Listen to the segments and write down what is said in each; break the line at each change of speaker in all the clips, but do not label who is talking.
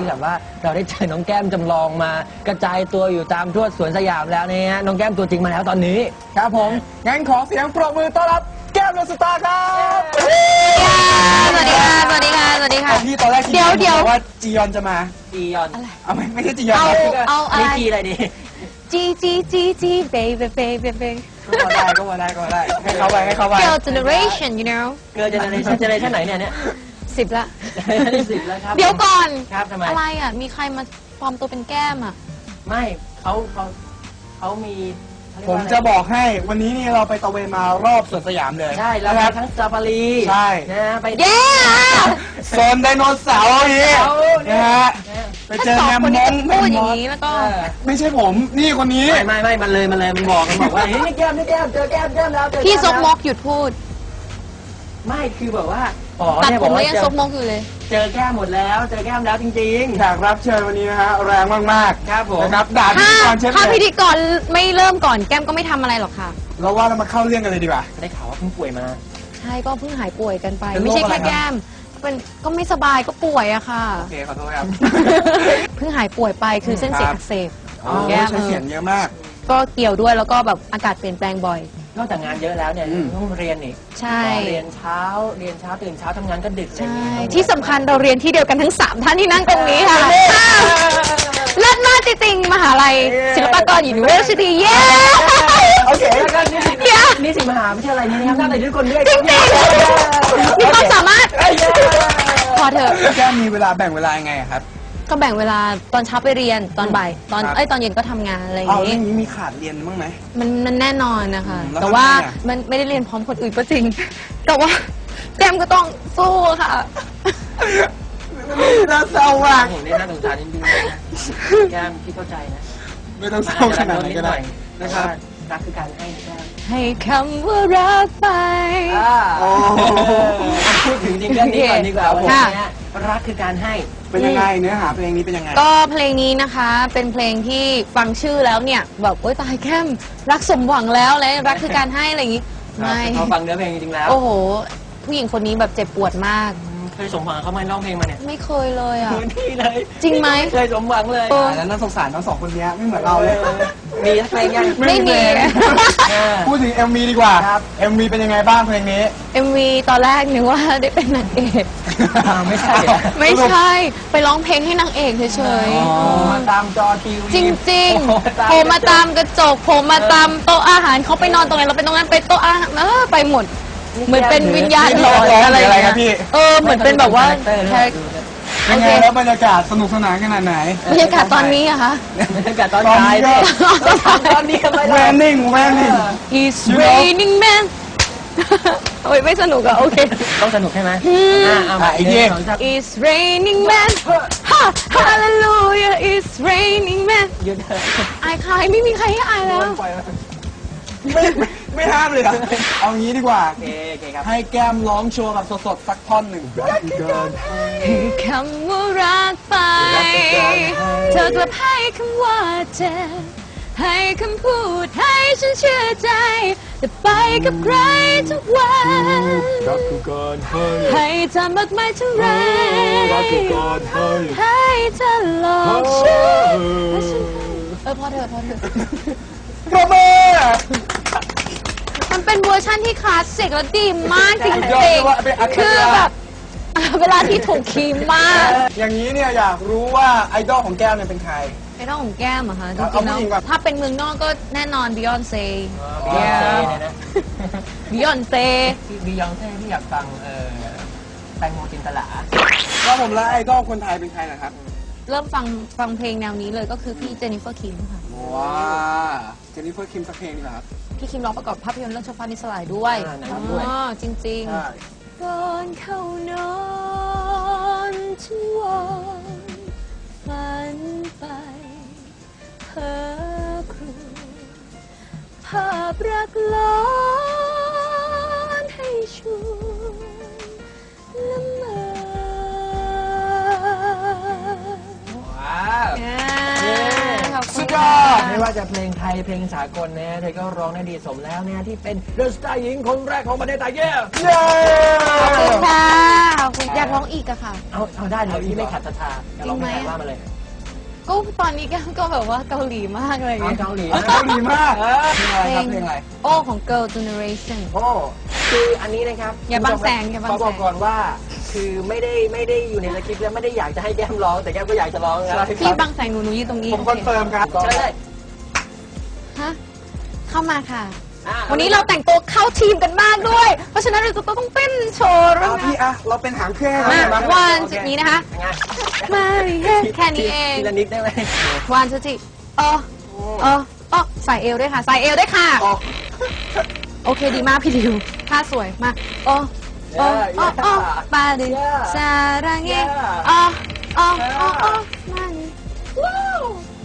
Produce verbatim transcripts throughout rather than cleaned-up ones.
ที่แบบว่าเราได้เจอน้องแก้มจำลองมากระจายตัวอยู่ตามทั่วสวนสยามแล้วเนี่ยน้องแก้มตัวจริงมาแล้วตอนนี้
ครับผมงั้นขอเสียงปรบมือต้อนรับแก้มเดอะสตาร์ครับ
สวัสดีค่ะสวัสดีค่ะสวัสดีค่ะ
พี่ตอนแรกคิดว่าจียอนจะมา
จียอน
เอาไม่ไม่ใช่จียอน
เอาเอาอะไร
จีอะไรดี
จีจีจีจี baby baby baby
ก็ได้ก็ได้ก็ได้ให้เขาไปให้เขาไป
Girl generation you know
เกิร์ลเจเนอเรชั่นเจเนอเรชั่นไหนเนี่ยเนี่ย
สิบละ
สิบแล้วครับ
เดี๋ยวก่อน
ครับทำไม
อะไรอ่ะมีใครมาปลอมตัวเป็นแก้มอ่ะ
ไม่เขาเขาเขามี
ผมจะบอกให้วันนี้นี่เราไปตะเวนมารอบสวนสยามเลย
ใช่แล้วไปทั้งซาฟารี
ใช่
นะไป
เย้
โซนไดโนเสาร์นี่นะฮะไปเจอแมมมอน
พูดอย่างนี้แล้วก็
ไม่ใช่ผมนี่คนนี้
ไม่ไม่ไม่มันเลยมันเลยมันบอกมันบอกว่าเฮ้ยนี่แก้มนี่แก้มเจอแก้มแก้มแล้ว
พี่ซกมกหยุดพูด
ไม่คือแบบว่า
ตัดผมแล้วยังซกมกอยู่เลย
เจอแก้มหมดแล้วเจอแก้มแล้วจริงๆ
แขกรับเชิญวันนี้นะฮะแรงมาก
ๆครับผม
นะครับด่าพิธีกรเช่น
ถ้าพิธีกรไม่เริ่มก่อนแก้มก็ไม่ทำอะไรหรอกค่ะ
เราว่าเรามาเข้าเรื่องกันเลยดีกว่า
ได้ข่าวว่าเพิ่งป่วยมา
ใช่ก็เพิ่งหายป่วยกันไปไม่ใช่แค่แก้มเป็นก็ไม่สบายก็ป่วยอะค่ะ
โอเคขอโทษครับ
เพิ่งหายป่วยไปคือเส้นเสียงอักเสบ
แก้มเสียงเยอะมาก
ก็เกี่ยวด้วยแล้วก็แบบอากาศเปลี่ยนแปลงบ่อย
นอกจากงานเยอะแล้วเนี่ยต้องเรียนอีก
ใช่
เรียนเช้าเรียนเช้าตื่นเช้าทำงานก็ดึก
ใช่ที่สำคัญเราเรียนที่เดียวกันทั้งสามท่านที่นั่งตรงนี้ค่ะเลิศมากจริงๆมหาลัยศิลปากร University เย้
โอเคแล้วก็นี่สินี่สิมหาวิทยาลัยนี้นะครับน่าจะทุกคนด้วย
จริงๆมีความสามารถพอเถอะ
แก้มมีเวลาแบ่งเวลายังไงครับ
ก็แบ่งเวลาตอนเช้าไปเรียนตอนบ่ายตอนเอ้ยตอนเย็นก็ทำงานอะไรอย่าง
นี้เอาเรื่องนี้มีขาดเรียนบ้างไหม
มันมันแน่นอนนะคะแต่ว่ามันไม่ได้เรียนพร้อมคนอื่นก็จริงแต่ว่าแก้มก็ต้องสู้ค่ะ
น่าเศร้ามาก
ผมเนี่ยน่าสงสารจริงๆแก้มพี่เข้าใจนะ
ไม่ต้องเศร้าขนาดนั้นก็ได้
นะครับรักคือการให้แก้ม
ให้คำว่ารักไป
พูดถึงจริงเรื่องนี้ก่อนดีกว่าวันนี้รักคือการให้
เป็นยังไงเนื้อหาเพลงนี้เป็นยังไง
ก็เพลงนี้นะคะเป็นเพลงที่ฟังชื่อแล้วเนี่ยแบบโอ๊ยตายแก้มรักสมหวังแล้วเลยรักคือการให้อะไรอย่างงี้
ไม่พอฟังเนื้อเพลงจริงๆแล้ว
โอ้โหผู้หญิงคนนี้แบบเจ็บปวดมาก
เคยสมหวังเขาไหมร้องเพลงมาเนี่ย
ไม่เคยเลยอ่ะ
นี่เลย
จริงไหม
เคยสมหวังเลย
แล้วน่าสงสารทั้งสองคนนี้ไม่เหมือนเราเลย
มีสักเพลงยัง
ไม่มี
พูดถึง เอ็ม วี ดีกว่า เอ็ม วี เป็นยังไงบ้างเพลงนี้
เอ็ม วี ตอนแรกนึกว่าได้เป็นนางเอก
ไม่ใช่
ไม่ใช่ไปร้องเพลงให้นางเอกเฉย
ๆมาตามจอทีวี
จริงๆโผล่มาตามกระจกโผล่มาตามโต๊ะอาหารเขาไปนอนตรงไหนเราไปตรงนั้นไปโต๊ะอาหารเออไปหมดเหมือนเป็นวิญญาณหลอนอะไรอย่างเงี้ยเออเหมือนเป็นแบบว่า
เป็นไงแล้วบรรยากาศสนุกสนานขนาดไหน
บรรยากาศตอนนี้อะคะ
บรรยากาศตอนท้ายตอนนี้ทำไม
แวนนิ่งแวนนิ่ง
It's raining man โอ้ยไม่สนุกอะโอเค
ต้องสนุกใช่ไหม
อ่าอีกที
It's raining man Hallelujah It's raining man
หยุดเถอะ
อายใครไม่มีใครให้อายแล้ว
ไม่ไม่ห้ามเลยอะเอางี้ดีกว่าให้แก้มร้องโชว์แบบสดๆสักท่อนหนึ่ง
คำว่ารักไปเธอกลับให้คำว่าเจ็บให้คำพูดให้ฉันเชื่อใจจะไปกับใครทุกวัน
รักคือการให้
ให้เธอมากมายเท่าไร
รักคือการให้
ให้เธอหลอกฉันเออพอเถอะพอเถอะ
ปรบมือ
มันเป็นเวอร์ชันที่คลาสสิกและดีมากจริงๆคือแบบเวลาที่ถูกคีย์มาก
อย่างนี้เนี่ยอยากรู้ว่าไอดอลของแก้มเนี่ยเป็นใคร
ไอดอลของแก้มเหรอคะจริงๆแล้วถ้าเป็นเมืองนอกก็แน่นอนบิยอนเซ่บิยอนเซ่
บิยอนเซ่ที่อยากฟังเออแตงโมจินตลา
แล้วผมแล้วไอดอลคนไทยเป็นใครนะครับ
เริ่มฟังฟังเพลงแนวนี้เลยก็คือพี่เจนนิเฟอร์คิมค่ะ
ว้าเจนนิเฟอร์คิมสักเพลงดีกว่าครับ
พี่คิมร้องประกอบภาพยนตร์เรื่องชฟ้านิสลายด้วยอ๋อจริงๆก่อนเข้านอนฉันวอนฝันไปเพ้อครวญภาพรักล้อนให้ชวนละเมอ
สุดยอด
ว่าจะเพลงไทยเพลงสากลนะเธอก็ร้องได้ดีสมแล้วเนี่ยที่เป็นเดอะสตาร์หญิงคนแรกของประเทศไทยเย้
เย้
ขอบคุณค่ะขอบคุณอยากร้องอีกอะค่ะ
เอาเอาได้เลยที่ไม่ขัดศรัทธาจะร้องเพลงอะไรว่ามาเลย
ก็ตอนนี้แก้มก็แบบว่าเกาหลีมากเลย
เอาเกาหลี
เกาหลีมากเพลงอะไรครับเพลงอะไร
โอ้ของ Girl Generation
โอ้คืออันนี้นะครับ
อย่าบังแสงอย่าบังแสง
ขบอกก่อนว่าคือไม่ได้ไม่ได้อยู่ในสคริปต์และไม่ได้อยากจะให้แก้มร้องแต่แก้มก็อยากจะร้องนะ
พี่บังแสงหนูหนูยืนตรงนี้
ผมคอนเฟิร์มครับ
ใช่เลย
ฮะเข้ามาค่ะ
อ่ะ
วันนี้เราแต่งตัวเข้าทีมกันมากด้วย เพราะฉะนั้นเราจะต้องเต้นโชว์ด้วย
เอา
นะ
พี่อะเราเป็นหางเครื่อง
มา
ให้หน่อย
วันจุดนี้นะคะ
ยังไง
มาแค่นี้เอง
ทีละนิดได้ไหม
วันจุดที่เออเออเออใส่เอวด้วยค่ะ ใส่เอวด้วยค่ะ
อ๋อ
โอเคดีมากพี่ดิวท่าสวยมากโอ้โอ้โอ้โอ้ปาดิซารังเงอ๋ออ๋ออ๋ออ๋อมันว้าว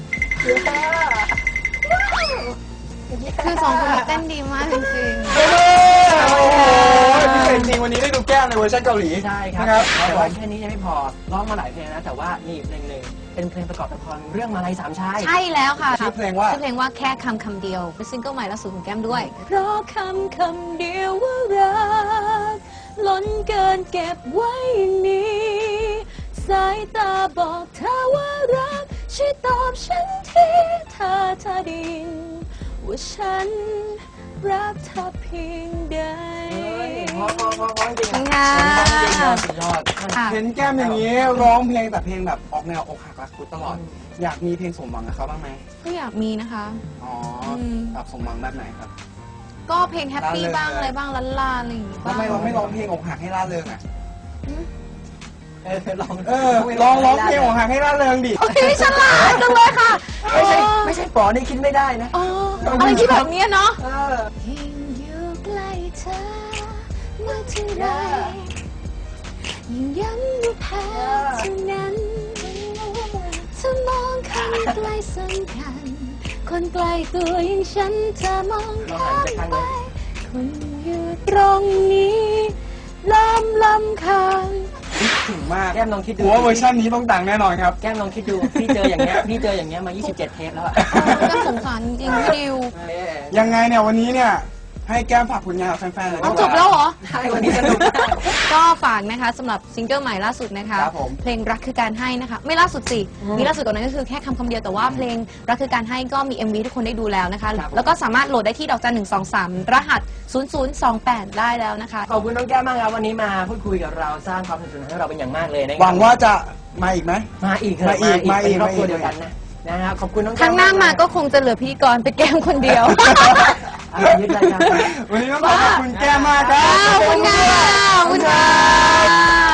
คือสองคนนี้เต้นดีมากจริง
โอ้โหพิเศษจริงวันนี้ได้ดูแก้มในเวอร์ชันเกาหลี
ใช่ครับ
นะครับ
แต่ว่าแค่นี้ยังไม่พอร้องมาหลายเพลงนะแต่ว่านี่เพลงหนึ่งเป็นเพลงประกอบละครเรื่องมาลัยสามชาย
ๆใช่แล้วค่ะ
ชื่อเพลงว่า
ชื่อเพลงว่าแค่คำคำเดียวเป็นซิงเกิลใหม่ล่าสุดของแก้มด้วย เพราะคำคำเดียวว่ารักล้นเกินเก็บไว้อย่างนี้สายตาบอกเธอว่ารักช่วยตอบฉันทีถ้าเธอได้ยินว่าฉันรักเธอเพียงใด
พอพอพอพอจริง
ค่ะ
สุดยอด
ค่ะ
เห็นแก้มอย่างนี้ร้องเพลงแต่เพลงแบบออกแนวอกหักรักคุดตลอด อยากมีเพลงสมหวังกับเขาบ้างไหม
ก็อยากมีนะคะ
อ๋อ
ม
แบบสมหวังแบบไหนครับ
ก็เพลงแฮปปี้บ้างอะไรบ้างลันลาอะไรอย่างงี้
ทำ
บ้าง
ไมเราไม่ร้องเพลงอกหักให้ร่าเริงอ่ะ
เออลอง
เออลองร้องเพลงอกหักให้ร่าเริงดิ
โอเคฉลาดจังเลยค่ะ
ไม่ใช่ไม่ใช่ปอนี่คิดไม่ได้นะ
เอออะไรที่แบบเนี้ยเนาะ
เออ
ยิ่งอยู่ใกล้เธอเมื่อเท่าไรยิ่งย้ำว่าแพ้เท่านั้นถ้ามองคนใกล้สำคัญคนใกล้ตัวอย่างฉันจะมองข้ามไปคนอยู่ตรงนี้ลำลำคาง
ถึงมาก
แก้มลองคิดดู
หัวเวอร์ชันนี้ต้องดังแน่นอนครับ
แก้มลองคิดดูพี่เจออย่างเงี้ยพี่เจออย่างเงี้ยมา ยี่สิบเจ็ด เทปแล้วอะ
ก็สงสารจริงๆพี่ดิว
ยังไงเนี่ยวันนี้เนี่ยให้แก้มฝากผลงานกับแฟนๆเลย
เอาจบแล้วเหรอ
ใช่วันนี้สนุกมาก
ก็ฝากนะคะสำหรับซิงเกิลใหม่ล่าสุดนะคะ
ครับผม
เพลงรักคือการให้นะคะ ไม่ล่าสุดสิ มีล่าสุดกว่านั้นก็คือแค่คำคำเดียวแต่ว่าเพลงรักคือการให้ก็มี เอ็ม วี ทุกคนได้ดูแล้วนะคะ แล้วก็สามารถโหลดได้ที่ดอกจันหนึ่งสองสามรหัสศูนย์ศูนย์สองแปดได้แล้วนะคะ
ขอบคุณน้องแก้มมากครับวันนี้มาพูดคุยกับเราสร้างความสนุกสนานให้เราเป็นอย่างมากเลยนะค
ห
รับ
วังว่าจะมาอีกไหม
มาอีกเถอะ
มาอีกมาอีก
เป็นครอบครัว
มาอีก
เดียวกันนะนะครับขอบคุณน้อง
ค
แก้ม
รั้งหน้ามาก็คงจะเหลือพิธีกรไปแก้มคนเดียว
เอายึดรายการ
วันนี้ต้องขอขอบคุณแก้มมากครับ
ขอบคุณค่ะขอบคุณค่ะ